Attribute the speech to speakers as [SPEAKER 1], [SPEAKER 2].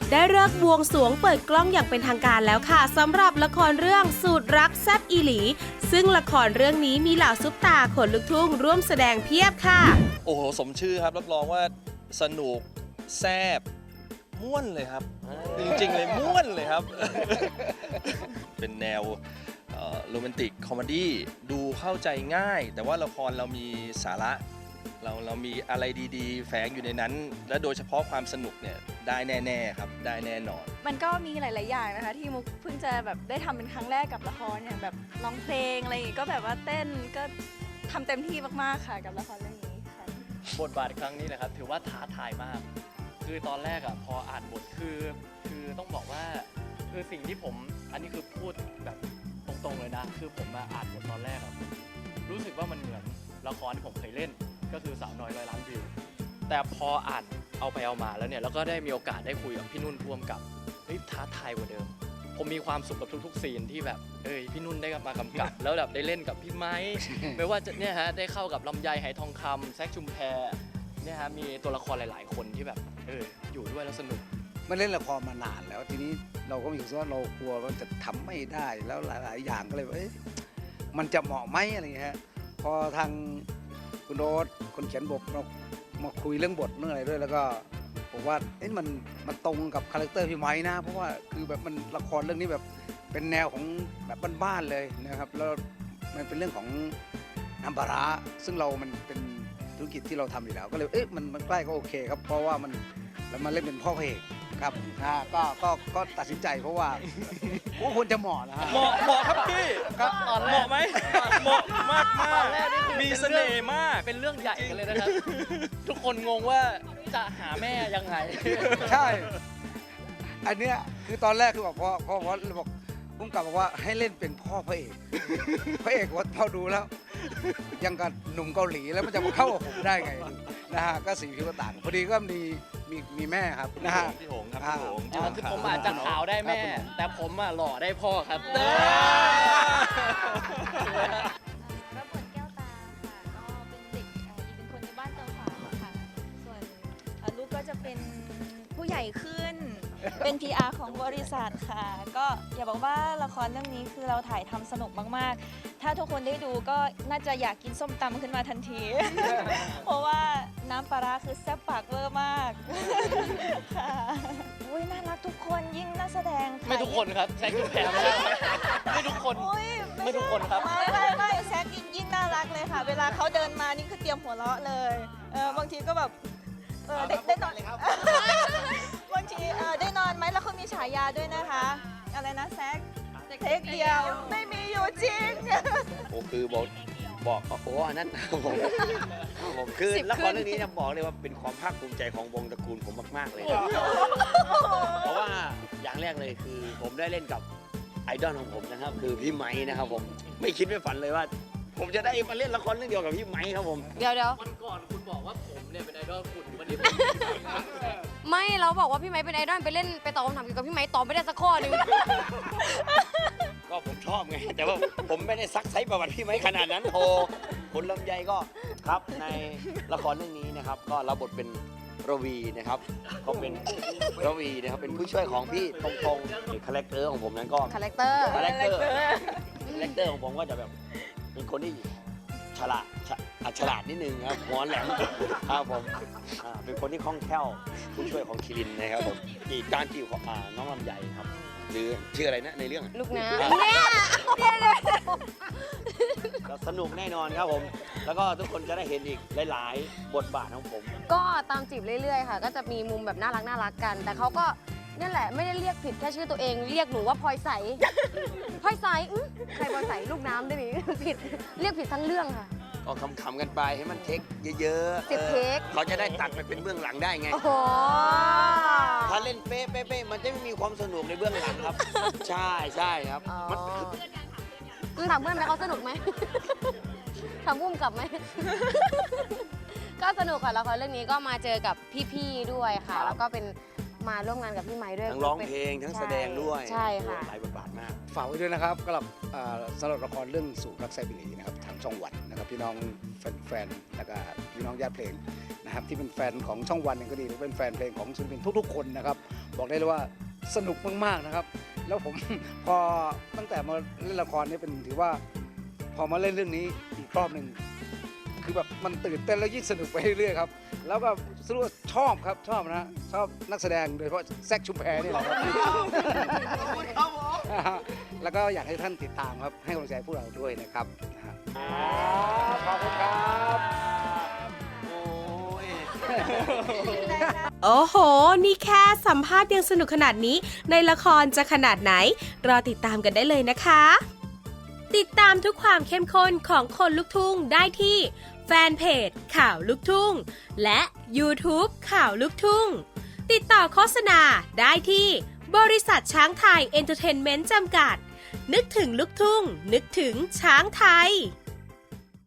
[SPEAKER 1] ได้เลิกษ์บวงสรวงเปิดกล้องอย่างเป็นทางการแล้วค่ะสำหรับละครเรื่องสูตรรักแซ่บอีหลีซึ่งละครเรื่องนี้มีเหล่าซุปตาขนลูกทุ่งร่วมแสดงเพียบค่ะ
[SPEAKER 2] โอ้โหสมชื่อครับรับรองว่าสนุกแซ่บม่วนเลยครับจริงๆเลยม่วนเลยครับ เป็นแนวโรแมนติกคอมเมดี้ดูเข้าใจง่าย แต่ว่าละครเรามีสาระเรามีอะไรดีๆ แฝงอยู่ในนั้น และโดยเฉพาะความสนุกเนี่ยได้แน่ๆครับได้แน่นอน
[SPEAKER 3] มันก็มีหลาย ๆ อย่างนะคะที่มุกเพิ่งจะแบบได้ทำเป็นครั้งแรกกับละครอย่างแบบร้องเพลงอะไรอย่างงี้ก็แบบว่าเต้นก็ทำเต็มที่มาก ๆ ค่ะกับละครเรื่องนี้ค่ะ
[SPEAKER 4] บทบาทครั้งนี้นะครับถือว่าท้าทายมาก คือตอนแรกอ่ะพออ่านบทคือต้องบอกว่าคือสิ่งที่ผมอันนี้คือพูดแบบตรงๆเลยนะคือผมมาอ่านบทตอนแรกอ่ะรู้สึกว่ามันเหมือนละครที่ผมเคยเล่นก็คือสาวน้อยร้อยล้านวิวแต่พออ่านเอาไปเอามาแล้วเนี่ยแล้วก็ได้มีโอกาสได้คุยกับพี่นุ่นพ่วงกับเฮ้ยท้าทายกว่าเดิมผมมีความสุขกับทุกๆซีนที่แบบพี่นุ่นได้มากำกับ แล้วแบบได้เล่นกับพี่ไม้ ไม่ว่าจะเนี่ยฮะได้เข้ากับลำไยไหทองคำแซคชุมแพเนี่ยฮะมีตัวละครหลายๆ คนที่แบบอยู่ด้วยแล้วสนุก
[SPEAKER 5] มันเล่นละครมานานแล้วทีนี้เราก็มีความรู้สึกว่าเรากลัวว่าจะทำไม่ได้แล้วหลาย ๆ อย่างก็เลยว่ามันจะเหมาะไหมอะไรอย่างเงี้ยฮะพอทางคุณโรสคนเขียนบทเรามาคุยเรื่องบทเรื่องอะไรด้วยแล้วก็ผมว่ามันตรงกับคาแรคเตอร์พี่ไม้นะเพราะว่าคือแบบมันละครเรื่องนี้แบบเป็นแนวของแบบบ้านๆเลยนะครับแล้วมันเป็นเรื่องของน้ำปลาร้าซึ่งมันเป็นธุรกิจที่เราทำอยู่แล้วก็เลยมันใกล้ก็โอเคครับเพราะว่าแล้วมาเล่นเป็นพ่อพระเอกครับก็ตัดสินใจเพราะว่าควรจะเหมาะนะฮะ
[SPEAKER 2] เหมาะครับพี่
[SPEAKER 5] ก็
[SPEAKER 2] เหมาะไหมเหมาะมาก
[SPEAKER 4] ตอนแรกนี่คือ
[SPEAKER 2] มีเสน่ห์มาก
[SPEAKER 4] เป็นเรื่องใหญ่กันเลยนะครับ ทุกคนงงว่าจะหาแม่ยังไง
[SPEAKER 5] ใช่อันเนี้ยคือตอนแรกคือบอกพอบอกพุ่งกลับบอกว่าให้เล่นเป็นพ่อพระเอกพระเอกว่าพอดูแล้ว ยังกับหนุ่มเกาหลีแล้วมันจะมาเข้ากับผมได้ไงนะฮะก็สีผิวก็ต่างพอดีก็มีแม่ครับนะฮะ
[SPEAKER 2] พี่หงครับพี่หง
[SPEAKER 4] คือผมอาจจะขาวได้แม่ แต่ผมอะหล่อได้พ่อครับ
[SPEAKER 3] รับบทแก้วตาค่ะก็เป็นเด็กเป็นคนในบ้านเตาฝางค่ะส่วนลูกก็จะเป็นผู้ใหญ่ขึ้น เป็น PR ของบริษัทค่ะ ก็อย่าบอกว่าละครเรื่องนี้คือเราถ่ายทำสนุกมากๆ ถ้าทุกคนได้ดูก็น่าจะอยากกินส้มตำขึ้นมาทันที เพราะว่าน้ำปลาร้าคือแซ่บปากเวอร์มากค่ะอุ้ยน่ารักทุกคนยิ่งนักแสดงค่ะ
[SPEAKER 4] ไม่ทุกคนครับแซคชุมแพไม่ได้ไม่ทุกคน
[SPEAKER 3] อุ๊ย
[SPEAKER 4] ไม่ทุกคนครับ
[SPEAKER 3] ไม่แซคยิ่งน่ารักเลยค่ะ เวลาเขาเดินมานี่คือเตรียมหัวเราะเลยบางทีก็แบบได้นอนเลยครับ บางทีได้นอนไหมแล้วเขามีฉายาด้วยนะคะ อะไรนะแซคเทคเดียวไม่มีอยู่จริง
[SPEAKER 6] โอ้คือบอกโอ้อันนั้น ผมคือละครเรื่องนี้นะบอกเลยว่าเป็นความภาคภูมิใจของวงตระกูลผมมากๆเลยนะเพราะว่าอย่างแรกเลยคือผมได้เล่นกับไอดอลของผมนะครับคือพี่ไม้นะครับผมไม่คิดไม่ฝันเลยว่า ผมจะได้มาเล่นละครเรื่องเดียวกับพี่ไม้ครับผม
[SPEAKER 7] เดี๋ยว
[SPEAKER 4] วันก่อนคุณบอกว่าผมเนี่ยเป็นไอดอลคุณวันนี้ผม
[SPEAKER 7] ไม่เราบอกว่าพี่ไม้เป็นไอดอลไปตอบคำถามเกี่ยวกับพี่ไม้ตอบไม่ได้สักข้อหนึง
[SPEAKER 6] ก็ผมชอบไงแต่ว่าผมไม่ได้ซักไซส์ประวัติพี่ไม้ขนาดนั้นโทคุณลำไยก็ครับในละครเรื่องนี้นะครับก็รับบทเป็นระวีนะครับก็เป็นระวีนะครับเป็นผู้ช่วยของพี่ตรงๆคาแรคเตอร์ของผมนั้นก็
[SPEAKER 7] คาแรคเตอร์
[SPEAKER 6] คาแรคเตอร์ของผมก็จะแบบเป็นคนที่ฉลาดนิดนึงครับหัวแหลมครับผมเป็นคนที่คล่องแคล่วผู้ช่วยของคิรินนะครับผมการจีบของน้องลำไยครับหรือชื่ออะไรนะในเรื่อง
[SPEAKER 7] ลูกน้ำเนี่ย
[SPEAKER 6] ก็สนุกแน่นอนครับผมแล้วก็ทุกคนจะได้เห็นอีกหลายๆบทบาทของผม
[SPEAKER 7] ก็ตามจีบเรื่อยๆค่ะ ก็จะมีมุมแบบน่ารักกัน แต่เขาก็นี่แหละไม่ได้เรียกผิดแค่ชื่อตัวเอง เรียกหนูว่าพลอยใส พลอยใสใครพลอยใสลูกน้ำได้ไหมผิดเรียกผิดทั้งเรื่องค่ะ
[SPEAKER 6] ก็ขำๆกันไปให้มันเทคเยอะๆ
[SPEAKER 7] 10เทค
[SPEAKER 6] เขาจะได้ตัดไปเป็นเบื้องหลังได้ไง
[SPEAKER 7] โอ้โห
[SPEAKER 6] ถ้าเล่นเป๊ะมันจะไม่มีความสนุกในเบื้องหลังครับ ใช่ครับ
[SPEAKER 7] อ๋อ
[SPEAKER 6] มัน
[SPEAKER 7] ถามเพื่อนไหมเขาสนุกไหม ถามพุ่มกลับไหม ก็สนุกค่ะละครเรื่องนี้ก็มาเจอกับพี่ๆด้วยค่ะ แล้วก็เป็นมาร่วมงานกับพี่ไม้ด้วย
[SPEAKER 6] ทั้งร้องเพลงทั้งแสดงด้วย
[SPEAKER 7] ใช่ค่ะ
[SPEAKER 6] หลายบทบาทมาก
[SPEAKER 5] ฝากไว้ด้วยนะครับสำหรับละครเรื่องสู่รักไซบิลีนะครับทางช่องวันนะครับพี่น้องแฟนๆแล้วก็พี่น้องญาติเพลงนะครับที่เป็นแฟนของช่องวันเองก็ดีหรือเป็นแฟนเพลงของศิลปินทุกๆคนนะครับบอกได้เลยว่าสนุกมากๆนะครับ แล้วผม พอตั้งแต่มาเล่นละครนี่เป็นถือว่าพอมาเล่นเรื่องนี้อีกรอบหนึ่งคือแบบมันตื่นเต้นแล้วยิ่งสนุกไปเรื่อยๆครับแล้วก็สรุปว่าชอบครับชอบนะชอบนักแสดงโดยเฉพาะแซคชุมแพนี่แหละครับ แล้วก็อยากให้ท่านติดตามครับให้กำลังใจพวกเราด้วยนะครับขอบคุณครับ
[SPEAKER 1] โอ้โห นี่แค่สัมภาษณ์ยังสนุกขนาดนี้ ในละครจะขนาดไหน รอติดตามกันได้เลยนะคะ ติดตามทุกความเข้มข้นของคนลุกทุ่งได้ที่แฟนเพจข่าวลุกทุ่งและ YouTube ข่าวลุกทุ่งติดต่อโฆษณาได้ที่บริษัทช้างไทยเอนเตอร์เทนเมนต์จำกัด นึกถึงลุกทุ่งนึกถึงช้างไทย